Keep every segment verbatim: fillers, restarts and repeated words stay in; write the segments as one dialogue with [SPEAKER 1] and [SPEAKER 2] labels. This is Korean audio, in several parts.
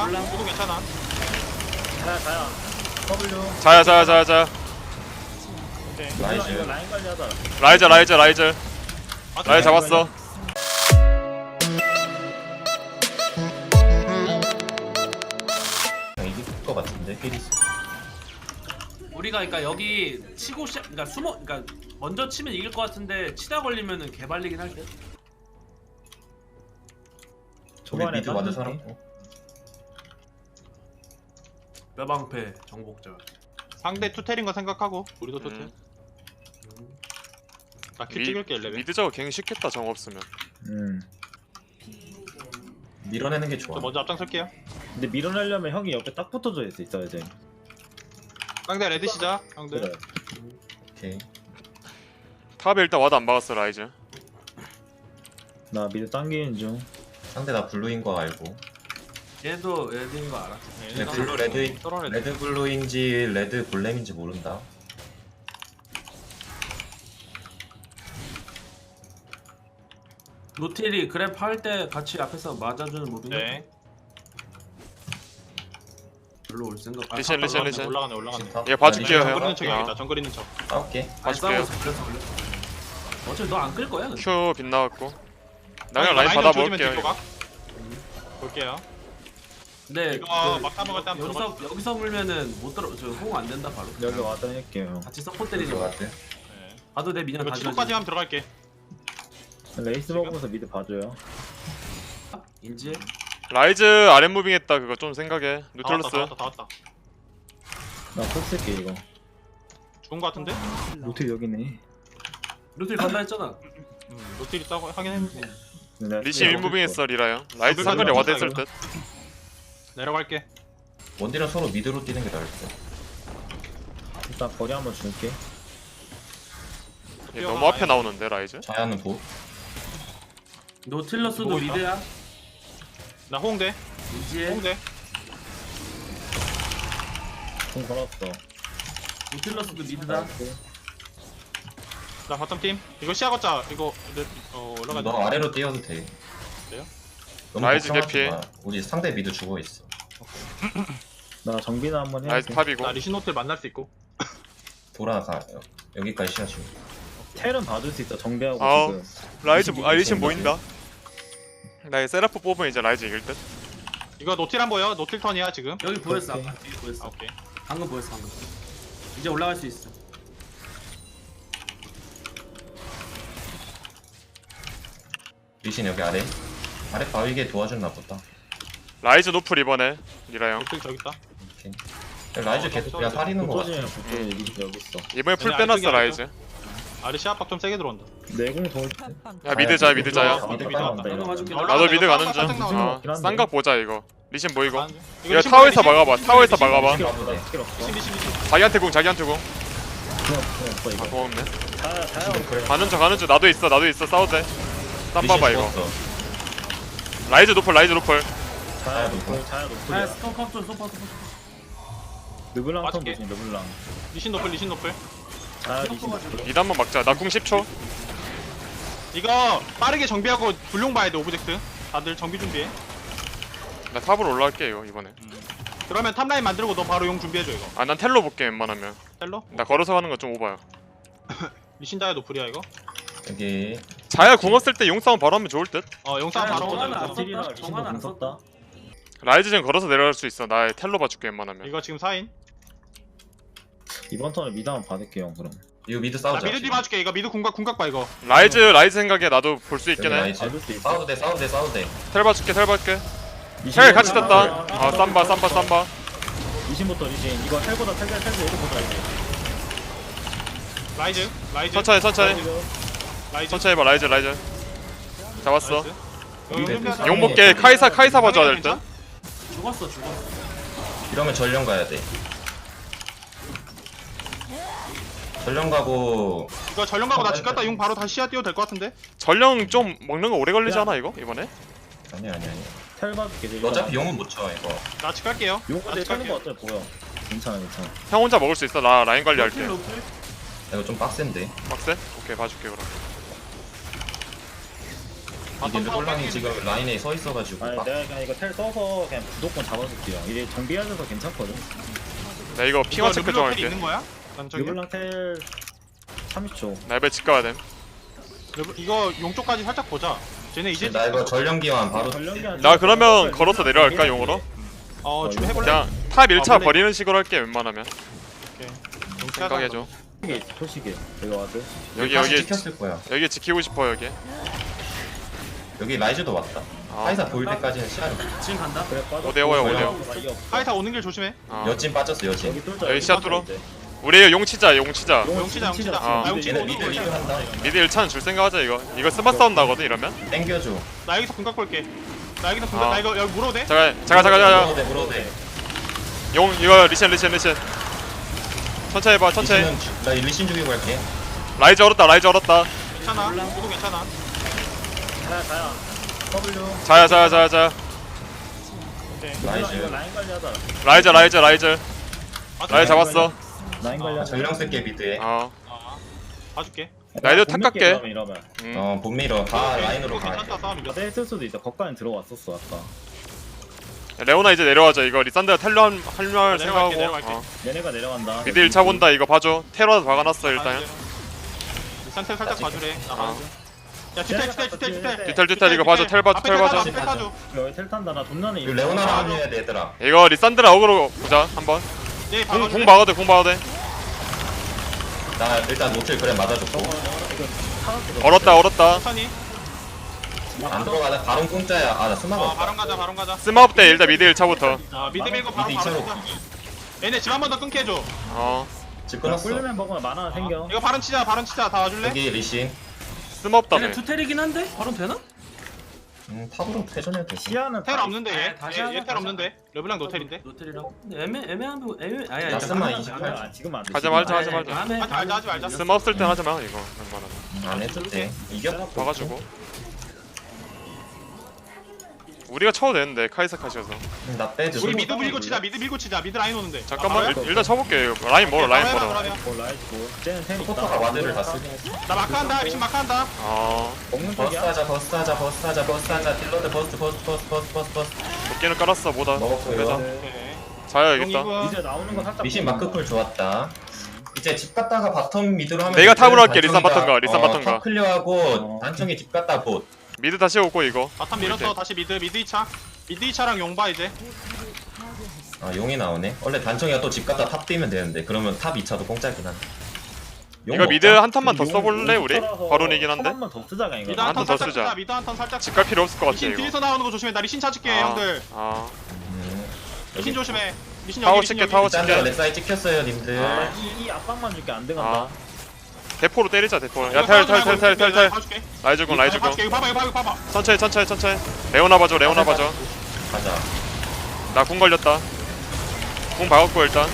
[SPEAKER 1] 몰라.
[SPEAKER 2] 모두 괜찮아.
[SPEAKER 3] 자야 자야 W
[SPEAKER 4] 자야 자야 자야 자야.
[SPEAKER 2] 오케이.
[SPEAKER 3] 라이즈 이거 라인 관리하자.
[SPEAKER 4] 라이즈 라이즈 라이즈
[SPEAKER 2] 아,
[SPEAKER 4] 라이즈 잡았어.
[SPEAKER 5] 이길 것 같은데 피리스.
[SPEAKER 1] 우리가 그러니까 여기 치고 시작, 그러니까 숨어, 그러니까 먼저 치면 이길 것 같은데 치다 걸리면은 개발리긴 할 듯.
[SPEAKER 5] 우리
[SPEAKER 3] 초반에
[SPEAKER 5] 미드 완전
[SPEAKER 3] 땄는데.
[SPEAKER 5] 살았고.
[SPEAKER 1] 뼈방패 정복자.
[SPEAKER 2] 상대 투텔인 거 생각하고 우리도 투텔.
[SPEAKER 4] 음.
[SPEAKER 2] 나킬
[SPEAKER 4] 미-
[SPEAKER 2] 찍을게 레벨.
[SPEAKER 4] 미드 저거 갱 쉽겠다 정 없으면.
[SPEAKER 3] 음.
[SPEAKER 5] 밀어내는 게 좋아.
[SPEAKER 2] 저 먼저 앞장설게요.
[SPEAKER 3] 근데 밀어내려면 형이 옆에 딱 붙어져 있어 있어야 돼.
[SPEAKER 2] 상대 레드 시작. 형들.
[SPEAKER 3] 그래.
[SPEAKER 5] 오케이.
[SPEAKER 4] 탑에 일단 와드 안 박았어 라이즈.
[SPEAKER 3] 나 미드 당기는 중.
[SPEAKER 5] 상대 다 블루인 거 알고.
[SPEAKER 1] 얘도 레드인 거 알아.
[SPEAKER 2] 네,
[SPEAKER 5] 근데 블루 레드
[SPEAKER 2] 서로 레드.
[SPEAKER 5] 레드 블루인지 레드 골렘인지 모른다.
[SPEAKER 1] 노틸이 그랩 할 때 같이 앞에서 맞아주는 무빙.
[SPEAKER 2] 네.
[SPEAKER 1] 별로 올 생각. 아,
[SPEAKER 4] 리신, 리신,
[SPEAKER 1] 올라갔네.
[SPEAKER 4] 리신.
[SPEAKER 2] 올라가네 올라가네.
[SPEAKER 5] 신탑.
[SPEAKER 4] 얘 봐줄게요,
[SPEAKER 5] 나
[SPEAKER 4] 형.
[SPEAKER 2] 정글 있는
[SPEAKER 5] 리신
[SPEAKER 2] 척이야겠다.
[SPEAKER 4] 아.
[SPEAKER 2] 정글 있는 척.
[SPEAKER 5] 싸울게.
[SPEAKER 1] 아니
[SPEAKER 4] 봐줄게요.
[SPEAKER 1] 싸우고 잡혀서 올려. 어차피 너 안 끌 거야. 근데.
[SPEAKER 4] 큐 빗나갔고. 나 그냥
[SPEAKER 2] 아,
[SPEAKER 4] 라인
[SPEAKER 2] 좀
[SPEAKER 4] 받아볼게요.
[SPEAKER 2] 조지면 뒤로
[SPEAKER 4] 이거.
[SPEAKER 2] 가. 볼게요.
[SPEAKER 1] 근데
[SPEAKER 2] 이거
[SPEAKER 1] 그
[SPEAKER 2] 막타 먹을 때 한번
[SPEAKER 1] 여기서 여기서 물면은 못 들어. 저호안 된다 바로.
[SPEAKER 3] 여기 와드 할게요.
[SPEAKER 1] 같이 서포트
[SPEAKER 5] 때리는
[SPEAKER 1] 때리는
[SPEAKER 5] 거
[SPEAKER 1] 거.
[SPEAKER 5] 같아.
[SPEAKER 2] 네.
[SPEAKER 1] 봐도 내 미녀
[SPEAKER 2] 이거
[SPEAKER 1] 다
[SPEAKER 2] 치고까지
[SPEAKER 1] 지워지.
[SPEAKER 2] 하면 들어갈게.
[SPEAKER 3] 레이스 먹으면서 미드 봐줘요.
[SPEAKER 1] 인지.
[SPEAKER 4] 라이즈 아랫 무빙했다 그거 좀 생각해.
[SPEAKER 2] 다 왔다
[SPEAKER 4] 뉴틀러스.
[SPEAKER 2] 다 왔다 다 왔다.
[SPEAKER 3] 나폭 쓸게 이거.
[SPEAKER 2] 좋은 거 같은데?
[SPEAKER 3] 노틸 여기네.
[SPEAKER 1] 루틸 간다 했잖아.
[SPEAKER 2] 음, 노틸 있다고 하긴 했는데.
[SPEAKER 3] 근데 내가
[SPEAKER 4] 리시
[SPEAKER 3] 스킬
[SPEAKER 4] 일 무빙했어 리라 형. 라이즈
[SPEAKER 2] 정글
[SPEAKER 4] 상거리
[SPEAKER 2] 가져가,
[SPEAKER 4] 와드 했을
[SPEAKER 2] 이거.
[SPEAKER 4] 듯.
[SPEAKER 2] 내려갈게.
[SPEAKER 5] 원딜은 서로 미드로 뛰는 게 나을 듯.
[SPEAKER 3] 일단 거리 한번 줄게.
[SPEAKER 4] 얘 너무 앞에 나오는데 라이즈.
[SPEAKER 5] 자야는 보.
[SPEAKER 1] 노틸러스도
[SPEAKER 2] 보고 있다.
[SPEAKER 1] 미드야.
[SPEAKER 2] 나 호응돼.
[SPEAKER 1] 인지해.
[SPEAKER 2] 호응돼.
[SPEAKER 3] 공 걸었어.
[SPEAKER 1] 노틸러스도 미드다.
[SPEAKER 2] 나 바텀 팀. 이거 시야 걷자. 이거 내, 어 올라가.
[SPEAKER 5] 너 아래로 뛰어도 돼.
[SPEAKER 2] 그래요?
[SPEAKER 5] 너무
[SPEAKER 4] 라이즈
[SPEAKER 5] 걱정하지
[SPEAKER 4] 개피.
[SPEAKER 5] 마. 우리 상대 미드 죽어 있어.
[SPEAKER 3] 나 정비나 한번
[SPEAKER 4] 라이즈
[SPEAKER 3] 해야지.
[SPEAKER 4] 탑이고.
[SPEAKER 2] 나 리신 호텔 만날 수 있고.
[SPEAKER 5] 돌아가. 여기까지 시야 주.
[SPEAKER 3] 텔은 봐줄 수 있어. 정비하고
[SPEAKER 4] 아우.
[SPEAKER 3] 지금.
[SPEAKER 4] 라이즈 아 리신 보인다. 나 이 세라프 뽑으면 이제 라이즈 이길 듯.
[SPEAKER 2] 이거 노틸 안 보여? 노틸 턴이야 지금.
[SPEAKER 1] 여기 보였어.
[SPEAKER 3] 오케이.
[SPEAKER 1] 아까 뒤에 보였어.
[SPEAKER 2] 아, 오케이.
[SPEAKER 1] 방금 보였어 방금. 이제 올라갈 수 있어.
[SPEAKER 5] 리신 여기 아래. 아래 바위게 도와줬나 보다.
[SPEAKER 4] 라이즈 노플 이번에 리라 형.
[SPEAKER 2] 노틸 저기 있다.
[SPEAKER 5] 오케이. 라이즈 계속 그냥 사리는 거 같아.
[SPEAKER 3] 붙어지면 붙어지 미드 여기 있어.
[SPEAKER 4] 이번에 풀
[SPEAKER 2] 얘네
[SPEAKER 4] 빼놨어
[SPEAKER 2] 아래쪽에
[SPEAKER 4] 라이즈.
[SPEAKER 2] 아래 시야 압박 좀 세게 들어온다.
[SPEAKER 3] 내공 돌.
[SPEAKER 4] 야 미드 자야 미드 자야.
[SPEAKER 5] 미드
[SPEAKER 2] 미드
[SPEAKER 5] 나온다.
[SPEAKER 1] 나도 가줄게.
[SPEAKER 4] 나도 미드 가는 중.
[SPEAKER 2] 깜짝
[SPEAKER 4] 어,
[SPEAKER 2] 나오네.
[SPEAKER 4] 쌍각 보자 이거. 리신 보이고.
[SPEAKER 2] 이거
[SPEAKER 4] 이거
[SPEAKER 2] 리신
[SPEAKER 4] 타워에서
[SPEAKER 2] 보여,
[SPEAKER 4] 막아봐.
[SPEAKER 2] 리신
[SPEAKER 4] 타워에서
[SPEAKER 2] 보여,
[SPEAKER 4] 막아봐.
[SPEAKER 3] 스킬 없어. 스킬 없어.
[SPEAKER 2] 리신 리신 리신.
[SPEAKER 4] 자기한테 궁 자기한테 궁.
[SPEAKER 3] 그냥 그냥 없어
[SPEAKER 4] 아
[SPEAKER 3] 이거.
[SPEAKER 4] 고맙네.
[SPEAKER 3] 자야 자야.
[SPEAKER 4] 가는 중 가는 중 나도 있어 나도 있어 싸워도 돼. 쌈
[SPEAKER 5] 리신
[SPEAKER 4] 봐봐 이거.
[SPEAKER 5] 죽었어.
[SPEAKER 4] 라이즈 노플 라이즈 노플.
[SPEAKER 3] 자야
[SPEAKER 5] 높고.
[SPEAKER 3] 높고 자야
[SPEAKER 1] 아
[SPEAKER 3] 높고.
[SPEAKER 1] 스톱 좀 스톱 스톱.
[SPEAKER 3] 르블랑 턴
[SPEAKER 2] 맞을게.
[SPEAKER 3] 조심 르블랑.
[SPEAKER 2] 리신 노플 리신 노플.
[SPEAKER 3] 자야 리신.
[SPEAKER 4] 미드 한번 막자. 나 궁 십 초.
[SPEAKER 2] 이거 빠르게 정비하고 불용 봐야 돼 오브젝트. 다들 정비 준비해.
[SPEAKER 4] 나 탑으로 올라갈게 이거 이번에.
[SPEAKER 2] 그러면 탑라인 만들고 너 바로 용 준비해줘 이거.
[SPEAKER 4] 아 난 텔로 볼게 웬만하면.
[SPEAKER 2] 텔러?
[SPEAKER 4] 나 걸어서 가는 거 좀 오바야.
[SPEAKER 2] 리신 자야 노플이야 이거.
[SPEAKER 5] 여기
[SPEAKER 4] 자야 궁 없을 때 용싸움 바로 하면 좋을 듯.
[SPEAKER 2] 어 영상
[SPEAKER 1] 자야,
[SPEAKER 2] 바로
[SPEAKER 1] 정하나
[SPEAKER 2] 보자.
[SPEAKER 1] 안
[SPEAKER 2] 이거.
[SPEAKER 1] 썼다?
[SPEAKER 3] 딜이라 리신도
[SPEAKER 1] 정하나 안
[SPEAKER 3] 공 썼다.
[SPEAKER 4] 라이즈 전 걸어서 내려갈 수 있어. 나 텔로 봐줄게 웬만하면.
[SPEAKER 2] 이거 지금 사인.
[SPEAKER 3] 이번 턴에 미드 한번 받을게요 그럼.
[SPEAKER 5] 이거 미드
[SPEAKER 2] 나
[SPEAKER 5] 싸우자.
[SPEAKER 2] 미드 뒤 봐줄게. 이거 미드 궁각 궁각 봐 이거.
[SPEAKER 4] 라이즈 라이즈 생각에 나도 볼 수 있긴
[SPEAKER 5] 여기
[SPEAKER 4] 해.
[SPEAKER 5] 라이즈.
[SPEAKER 3] 받을 수 있어.
[SPEAKER 5] 싸워도 돼 싸워도 돼 싸워도 돼.
[SPEAKER 4] 텔 봐줄게 텔 봐줄게.
[SPEAKER 3] 리신
[SPEAKER 4] 텔 같이
[SPEAKER 3] 보자.
[SPEAKER 4] 떴다. 아 쌈바 쌈바 쌈바.
[SPEAKER 3] 리신부터 리신. 이거 텔보다 텔텔 텔 이거 보자 이제.
[SPEAKER 2] 라이즈 라이즈.
[SPEAKER 4] 천천히 천천히
[SPEAKER 2] 라이즈.
[SPEAKER 4] 천천히 봐 라이즈 라이즈. 잡았어.
[SPEAKER 2] 나이스. 용 준비하자.
[SPEAKER 4] 용 먹게 카이사 카이사 봐줘야 될 듯.
[SPEAKER 1] 죽었어 죽었어.
[SPEAKER 5] 이러면 전령 가야 돼. 전령 가고
[SPEAKER 2] 이거 전령 가고 나 집 갔다 용 바로 다시 시야 띄워도 될 것 같은데?
[SPEAKER 4] 전령 좀 먹는 거 오래 걸리지 않아 이거 이번에?
[SPEAKER 5] 아니 아니 아니.
[SPEAKER 3] 텔 받을게.
[SPEAKER 5] 어차피 용은 못 쳐 이거.
[SPEAKER 2] 나 집 갈게요.
[SPEAKER 3] 용
[SPEAKER 2] 나
[SPEAKER 3] 근데
[SPEAKER 2] 집
[SPEAKER 3] 차는 거
[SPEAKER 2] 갈게요.
[SPEAKER 3] 어때 보여. 괜찮아 괜찮아.
[SPEAKER 4] 형 혼자 먹을 수 있어. 나 라인 관리할게.
[SPEAKER 1] 노틸 노틸.
[SPEAKER 5] 이거 좀 빡센데.
[SPEAKER 4] 빡세? 오케이 봐줄게 그럼.
[SPEAKER 5] 이게 르블랑이 지금 라인에 서 있어가지고
[SPEAKER 3] 아니
[SPEAKER 5] 막
[SPEAKER 3] 내가 그냥 이거 텔 써서 그냥 무조건 잡아줄게요. 이게 정비하셔서 괜찮거든.
[SPEAKER 4] 나 이거 핑화 체크 좀
[SPEAKER 2] 텔
[SPEAKER 4] 할게.
[SPEAKER 2] 있는 거야? 남쪽에?
[SPEAKER 3] 르블랑 텔 삼십 초.
[SPEAKER 4] 나 이번에 집 가야 됨.
[SPEAKER 2] 이거 용 쪽까지 살짝 보자. 쟤네 이제
[SPEAKER 5] 나 이거 전령기만 바로
[SPEAKER 3] 전령기한
[SPEAKER 4] 나 그러면 걸어서 내려갈까 용으로?
[SPEAKER 2] 어 지금 해볼래?
[SPEAKER 4] 그냥 탑 일 차
[SPEAKER 2] 아, 원래-
[SPEAKER 4] 버리는 식으로 할게 웬만하면.
[SPEAKER 2] 오케이. 용
[SPEAKER 4] 생각해줘.
[SPEAKER 3] 초시계 초시계 이거 와드.
[SPEAKER 4] 여기
[SPEAKER 5] 다시
[SPEAKER 4] 여기
[SPEAKER 5] 찍혔을 거야.
[SPEAKER 4] 여기 지키고 싶어 여기.
[SPEAKER 5] 여기 라이즈도 왔다.
[SPEAKER 4] 아.
[SPEAKER 5] 카이사 보일 때까지는 시야를.
[SPEAKER 1] 지금 간다.
[SPEAKER 3] 그래 빠져.
[SPEAKER 4] 오대오야,
[SPEAKER 5] 오대오.
[SPEAKER 2] 카이사 오는 길 조심해.
[SPEAKER 4] 어.
[SPEAKER 5] 여진 빠졌어 여진.
[SPEAKER 3] 여기 뚫자.
[SPEAKER 4] 여기 시야 뚫어. 우리 용 치자 용 치자.
[SPEAKER 2] 용 치자, 용 치자.
[SPEAKER 4] 아.
[SPEAKER 2] 아, 용 치자.
[SPEAKER 5] 얘네 미드 리뷰 한다.
[SPEAKER 4] 미드 일 차는 줄 생각하자 이거. 이거 스마 싸움 나거든 이러면.
[SPEAKER 5] 땡겨줘.
[SPEAKER 2] 나 여기서 궁각 볼게. 나 여기서 궁각.
[SPEAKER 4] 아.
[SPEAKER 2] 나 이거 여기 물어도 돼?
[SPEAKER 4] 잠깐 잠깐 잠깐 잠깐.
[SPEAKER 5] 물어도 돼 물어도 돼.
[SPEAKER 4] 용 이거 리신 리신 리신. 천천히 해봐 천천히.
[SPEAKER 5] 리신은 주- 나 리신 죽이고 갈게.
[SPEAKER 4] 라이즈 얼었다 라이즈 얼었다.
[SPEAKER 2] 괜찮아. 모두 괜찮아.
[SPEAKER 3] 자야 자야. W.
[SPEAKER 4] 자야 자야 자야 자야.
[SPEAKER 2] 오케이.
[SPEAKER 5] 라이즈.
[SPEAKER 3] 이거 라인 관리하자.
[SPEAKER 4] 라이즈 라이즈 라이즈.
[SPEAKER 2] 봐줄게.
[SPEAKER 4] 라이즈 잡았어.
[SPEAKER 3] 라인
[SPEAKER 2] 아,
[SPEAKER 3] 관리하자.
[SPEAKER 5] 전령 쓸게 미드에.
[SPEAKER 4] 어.
[SPEAKER 2] 아, 봐줄게.
[SPEAKER 4] 라이즈
[SPEAKER 3] 못
[SPEAKER 4] 탁
[SPEAKER 3] 믿게
[SPEAKER 4] 갈게.
[SPEAKER 3] 그러면 이러면.
[SPEAKER 4] 음.
[SPEAKER 5] 어 본미러 다
[SPEAKER 2] 오케이,
[SPEAKER 5] 라인으로
[SPEAKER 2] 이거
[SPEAKER 5] 가.
[SPEAKER 2] 괜찮다 싸움 이겼어.
[SPEAKER 3] 아, 했을 수도 있어. 거기까지 들어왔었어 아까.
[SPEAKER 4] 레오나 이제 내려와줘 이거 리산드가 탈려 한 할말
[SPEAKER 2] 내려갈게,
[SPEAKER 4] 생각하고.
[SPEAKER 2] 내려갈게.
[SPEAKER 4] 어.
[SPEAKER 3] 얘네가 내려간다.
[SPEAKER 4] 미드 일 차 본다 이거 봐줘. 테러도 박아놨어 일단.
[SPEAKER 2] 상태 살짝 봐주래. 나
[SPEAKER 4] 어.
[SPEAKER 2] 봐줘. 야 뒤탈 뒤탈 뒤탈 뒤탈.
[SPEAKER 4] 뒤탈 뒤탈 이거 봐줘 텔 봐줘
[SPEAKER 2] 앞에
[SPEAKER 4] 텔
[SPEAKER 2] 텔
[SPEAKER 4] 봐줘.
[SPEAKER 2] 앞에 텔 타줘.
[SPEAKER 3] 여기 텔 탄다. 나 돈나는
[SPEAKER 5] 이거 레오나랑 합류해야 돼 얘들아.
[SPEAKER 4] 이거 리산드라 어그로 보자 한번.
[SPEAKER 2] 얘
[SPEAKER 4] 공,
[SPEAKER 2] 박아줄래?
[SPEAKER 4] 공 박아도 돼, 공 박아도 돼.
[SPEAKER 5] 나 일단 노틸 그래 맞아줬고.
[SPEAKER 4] 얼었다, 얼었다.
[SPEAKER 2] 천천히.
[SPEAKER 5] 안 들어가다 바론 공짜야. 아 나 스마가
[SPEAKER 2] 어
[SPEAKER 5] 없다.
[SPEAKER 2] 바론 가자 바론 가자.
[SPEAKER 4] 스마업 때 일단 미드 일 차부터.
[SPEAKER 2] 아 미드 밀고 바로
[SPEAKER 5] 미드
[SPEAKER 2] 바로
[SPEAKER 5] 이차로.
[SPEAKER 2] 치자. 얘네 집 한 번 더 끊게 해줘.
[SPEAKER 4] 어.
[SPEAKER 5] 집
[SPEAKER 3] 끊었어.
[SPEAKER 5] 끊었어.
[SPEAKER 3] 꿀면 먹으면 만화 생겨.
[SPEAKER 2] 이거 바론 치자 바론 치자 다 와줄래?
[SPEAKER 5] 여기 리신.
[SPEAKER 4] 스마업 다며.
[SPEAKER 1] 얘네 투텔이긴 한데 바로 되나?
[SPEAKER 5] 음 탑으로 회전해도 돼.
[SPEAKER 3] 시야는
[SPEAKER 2] 텔 없는데
[SPEAKER 1] 아,
[SPEAKER 2] 얘.
[SPEAKER 1] 다시
[SPEAKER 2] 얘
[SPEAKER 1] 하자,
[SPEAKER 2] 텔
[SPEAKER 1] 다시
[SPEAKER 2] 없는데. 르블랑 노텔인데.
[SPEAKER 1] 노텔이랑. 근데 애매 애매한 부 애매 아니 아니.
[SPEAKER 5] 나스만
[SPEAKER 1] 잠깐만,
[SPEAKER 5] 이십팔.
[SPEAKER 1] 잠깐만.
[SPEAKER 3] 아, 지금 안 돼.
[SPEAKER 4] 하지
[SPEAKER 3] 지금
[SPEAKER 4] 말자,
[SPEAKER 3] 안
[SPEAKER 4] 하지
[SPEAKER 3] 돼.
[SPEAKER 4] 말자.
[SPEAKER 1] 다음에
[SPEAKER 2] 하지 말자 하지 말자.
[SPEAKER 4] 스마업 쓸 땐 하지 마, 이거. 웬만하면.
[SPEAKER 5] 안 해도 돼. 이겨.
[SPEAKER 4] 봐가지고. 우리가 쳐도 되는데, 카이사 카시어서.
[SPEAKER 5] 음, 나 빼줘.
[SPEAKER 2] 우리 미드 밀고 치자 미드 밀고 치자 미드 라인 오는데.
[SPEAKER 4] 잠깐만,
[SPEAKER 2] 아,
[SPEAKER 4] 일, 일단 쳐볼게. 라인 멀어, 라인
[SPEAKER 2] 해봐,
[SPEAKER 4] 멀어.
[SPEAKER 2] 그러면.
[SPEAKER 3] 뭐 라이즈고. 쟤는 텔 있다.
[SPEAKER 5] 포터가 와드를 다 쓰긴 했어.
[SPEAKER 2] 나 마크한다 리신 마크한다.
[SPEAKER 4] 어.
[SPEAKER 3] 먹는
[SPEAKER 5] 버스
[SPEAKER 3] 쪽이야.
[SPEAKER 5] 하자 버스 하자 버스 하자 버스 하자 딜러드 버스 버스 버스 버스 버스 버스.
[SPEAKER 4] 도끼는 깔았어, 뭐다.
[SPEAKER 5] 먹었고요.
[SPEAKER 4] 빼자.
[SPEAKER 2] 오케이.
[SPEAKER 4] 자야겠다.
[SPEAKER 2] 용이군.
[SPEAKER 3] 이제 나오는 거 살짝.
[SPEAKER 5] 리신 마크풀 좋았다. 이제 집 갔다가 바텀 미드로 하면
[SPEAKER 4] 내가 탑으로 할게,
[SPEAKER 5] 단청이가,
[SPEAKER 4] 리산 바텀가, 리산
[SPEAKER 5] 어,
[SPEAKER 4] 바텀가.
[SPEAKER 5] 탑 클리어하고
[SPEAKER 3] 어.
[SPEAKER 5] 단청이 집 갔다 봇.
[SPEAKER 4] 미드 다시 오고, 이거.
[SPEAKER 2] 바텀 밀었어 다시 미드 미드 이 차. 미드 이 차랑 용봐 이제.
[SPEAKER 5] 아 용이 나오네. 원래 단청이가 또 집 갔다 탑 뛰면 되는데 그러면 탑 이 차도 공짜긴 한데. 용
[SPEAKER 4] 이거
[SPEAKER 5] 먹자.
[SPEAKER 4] 미드 한 턴만 더 써볼래, 우리? 바론이긴 한데?
[SPEAKER 3] 한번만 더 쓰자가 이거.
[SPEAKER 2] 미드
[SPEAKER 4] 한
[SPEAKER 2] 한턴
[SPEAKER 4] 턴 더
[SPEAKER 2] 살짝
[SPEAKER 4] 쓰자.
[SPEAKER 2] 치자 미드 한턴 살짝.
[SPEAKER 4] 집 갈 필요 없을 것 같아,
[SPEAKER 2] 리신
[SPEAKER 4] 이거.
[SPEAKER 2] 뒤에서 나오는 거 조심해 나 리신 차줄게
[SPEAKER 4] 아,
[SPEAKER 2] 형들.
[SPEAKER 4] 아.
[SPEAKER 5] 음.
[SPEAKER 2] 리신 조심해. 리신
[SPEAKER 4] 타워
[SPEAKER 2] 여기 리신
[SPEAKER 4] 칠게,
[SPEAKER 2] 여기.
[SPEAKER 4] 타워
[SPEAKER 5] 일단
[SPEAKER 4] 칠게.
[SPEAKER 5] 렉사이 찍혔어요 님들.
[SPEAKER 4] 아.
[SPEAKER 3] 이, 이 압박만 줄게 안 돼간다.
[SPEAKER 4] 아. 대포로 때리자, 대포.
[SPEAKER 2] 이거
[SPEAKER 4] 야, 텔, 텔,
[SPEAKER 2] 봐줄게,
[SPEAKER 4] 텔, 텔, 텔, 텔.
[SPEAKER 2] 봐줄게.
[SPEAKER 4] 라이즈군, 라이즈군.
[SPEAKER 2] 봐줄게 이거 봐봐 이거 봐봐 이거 봐봐.
[SPEAKER 4] 천천히, 천천히, 천천히. 레오나 봐줘, 레오나 봐줘.
[SPEAKER 5] 가자.
[SPEAKER 4] 나 궁 걸렸다. 궁 박았고, 일단.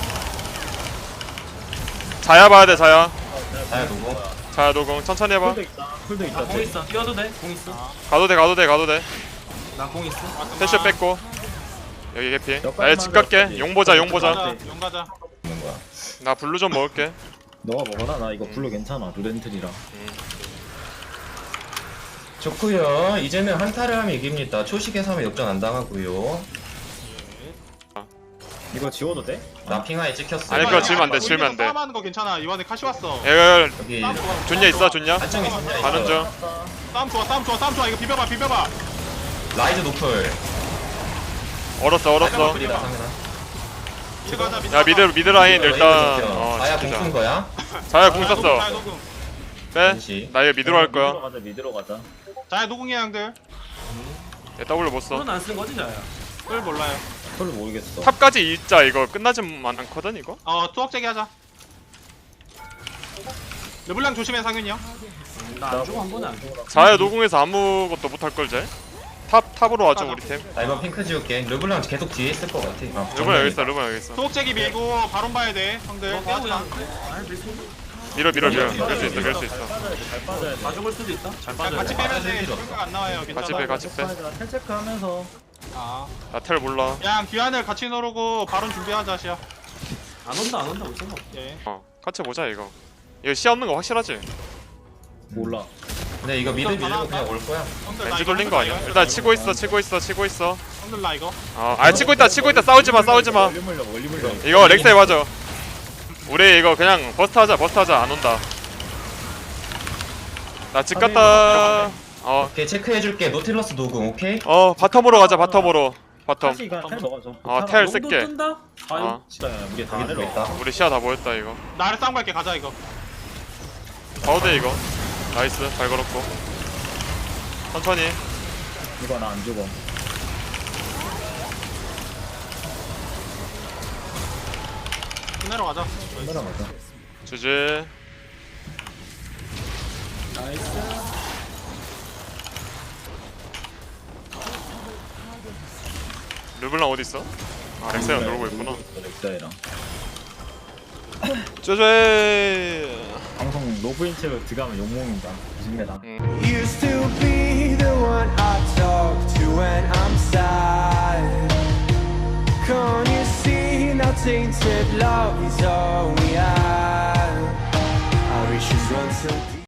[SPEAKER 4] 자야 봐야 돼, 자야.
[SPEAKER 5] 자야 누구?
[SPEAKER 4] 자야 노궁. 천천히 해봐.
[SPEAKER 3] 풀도 있다. 풀도 있다.
[SPEAKER 1] 나공 있어. 뛰어도 돼. 공 있어.
[SPEAKER 4] 가도 돼, 가도 돼, 가도 돼.
[SPEAKER 1] 나 공 있어.
[SPEAKER 4] 패션 뺐고. 여기 개피. 나 집 갈게. 용 보자, 용 보자.
[SPEAKER 2] 가자 용 가자.
[SPEAKER 5] 있는 거야.
[SPEAKER 4] 나 블루 좀 먹을게.
[SPEAKER 3] 너가 먹어라. 나 이거 블루 괜찮아. 루덴틀이랑.
[SPEAKER 5] 좋고요. 이제는 한타를 하면 이깁니다. 초식에서 하면 역전 안 당하고요.
[SPEAKER 3] 이거 지워도 돼?
[SPEAKER 5] 나 핑하에 찍혔어.
[SPEAKER 4] 아니, 그거 지우면 안 돼, 지우면 안 돼.
[SPEAKER 2] 싸움하는 거 괜찮아. 이번에 카시 왔어.
[SPEAKER 4] 야,
[SPEAKER 5] 여기
[SPEAKER 2] 싸움 좋아.
[SPEAKER 4] 좋냐 있어, 좋냐?
[SPEAKER 5] 단청이 진짜
[SPEAKER 4] 가는 중.
[SPEAKER 2] 싸움 좋아 싸움 좋아 싸움 좋아. 이거 비벼봐 비벼봐.
[SPEAKER 5] 라이즈 노플.
[SPEAKER 4] 얼었어, 얼었어.
[SPEAKER 5] 노플이다 상현아.
[SPEAKER 2] 미드 가자 미드.
[SPEAKER 4] 야, 미드, 미드 라인 일단, 어,
[SPEAKER 5] 아야 공 쓴
[SPEAKER 4] 지키자.
[SPEAKER 5] 거야?
[SPEAKER 4] 자야 궁
[SPEAKER 2] 자야
[SPEAKER 4] 썼어.
[SPEAKER 2] 녹음.
[SPEAKER 4] 빼.
[SPEAKER 5] 잠시.
[SPEAKER 4] 나 이거 미드로 할
[SPEAKER 3] 미드로
[SPEAKER 4] 거야.
[SPEAKER 3] 가자. 미드로 가자.
[SPEAKER 2] 자야 녹음이야 형들.
[SPEAKER 4] 얘 W 못 써.
[SPEAKER 1] 손은 안 쓴 거지 자야.
[SPEAKER 2] 꿀 몰라요.
[SPEAKER 3] 별로 모르겠어.
[SPEAKER 4] 탑까지 일자 이거 끝나진 않거든, 이거?
[SPEAKER 2] 어 투억제기 하자. 르블랑 조심해 상윤이 형.
[SPEAKER 1] 나 안 주고 한 번에 안 줘.
[SPEAKER 4] 자야 노궁에서 아무것도 못 할 걸, 쟤? 탑, 탑으로 와줘, 우리 팀.
[SPEAKER 5] 나 이번 핑크 지울게. 르블랑 계속 뒤에 있을 것 같아. 아,
[SPEAKER 4] 루번 여기 있어, 루번 여기 있어.
[SPEAKER 2] 투억제기 밀고 바론 봐야 돼 형들.
[SPEAKER 1] 너
[SPEAKER 2] 깨하지
[SPEAKER 1] 깨우야.
[SPEAKER 2] 마.
[SPEAKER 1] 아니 밀수.
[SPEAKER 4] 밀어, 밀어, 밀어. 밀 수 있어, 밀 수 있어.
[SPEAKER 3] 잘 빠져야 돼. 잘 빠져야 돼.
[SPEAKER 1] 다 죽을 수도 있다. 잘
[SPEAKER 2] 자,
[SPEAKER 1] 빠져.
[SPEAKER 2] 같이
[SPEAKER 5] 빼.
[SPEAKER 2] 빼면 돼.
[SPEAKER 5] 빠질 필요
[SPEAKER 2] 생각 안 나와요. 괜찮아.
[SPEAKER 4] 같이 빼, 같이 빼.
[SPEAKER 3] 텔 체크하면서.
[SPEAKER 2] 아.
[SPEAKER 4] 나 텔 몰라.
[SPEAKER 2] 야 귀환을 같이 누르고 바론 준비하자 시야.
[SPEAKER 1] 안 온다 안 온다 올 생각. 없어.
[SPEAKER 2] 예.
[SPEAKER 4] 어, 같이 보자, 이거. 이거 시야 없는 거 확실하지?
[SPEAKER 3] 몰라.
[SPEAKER 5] 근데 이거 미드 밀고 그냥 올 거야.
[SPEAKER 2] 형들 나
[SPEAKER 4] 렌즈
[SPEAKER 2] 이거
[SPEAKER 4] 돌린 거 아니야?
[SPEAKER 2] 이거
[SPEAKER 4] 일단 치고 있어 치고 있어 치고 있어
[SPEAKER 2] 형들 나 이거
[SPEAKER 4] 어아 치고 있다 치고 있다 싸우지마 싸우지마
[SPEAKER 3] 원리 물려 원리 물려.
[SPEAKER 4] 이거 렉사에 맞아 우리 이거 그냥 버스트 하자 버스트 하자 안 온다 나 집 갔다 어
[SPEAKER 5] 오케이 체크해줄게. 노틸러스 녹음 오케이.
[SPEAKER 4] 어 바텀으로 가자 바텀으로 바텀
[SPEAKER 3] 다시가 텔 먹어줘.
[SPEAKER 4] 어, 텔
[SPEAKER 1] 용도
[SPEAKER 4] 쓸게.
[SPEAKER 1] 뜬다? 아유
[SPEAKER 4] 어
[SPEAKER 3] 진짜 우리 다
[SPEAKER 5] 여기도
[SPEAKER 3] 내려와.
[SPEAKER 5] 있다.
[SPEAKER 4] 우리 시야 다 모였다 이거
[SPEAKER 2] 나를 싸움 갈게 가자 이거
[SPEAKER 4] 가우대 이거 나이스 잘 걸었고 천천히
[SPEAKER 3] 이거 나 안 죽어.
[SPEAKER 2] 끝내러 가자
[SPEAKER 3] 내려가자.
[SPEAKER 4] 주지
[SPEAKER 1] 나이스
[SPEAKER 4] 르블랑 어딨어? 아 렉사이랑 놀고 있구나
[SPEAKER 3] 렉사이랑.
[SPEAKER 4] 쩌제
[SPEAKER 3] 방송 로그인 채로 들어가면 욕먹는다. 조심해라.
[SPEAKER 6] Used to be the one I talk to when I'm sad. Can't you see now tainted love is all we have? Our issues run so deep.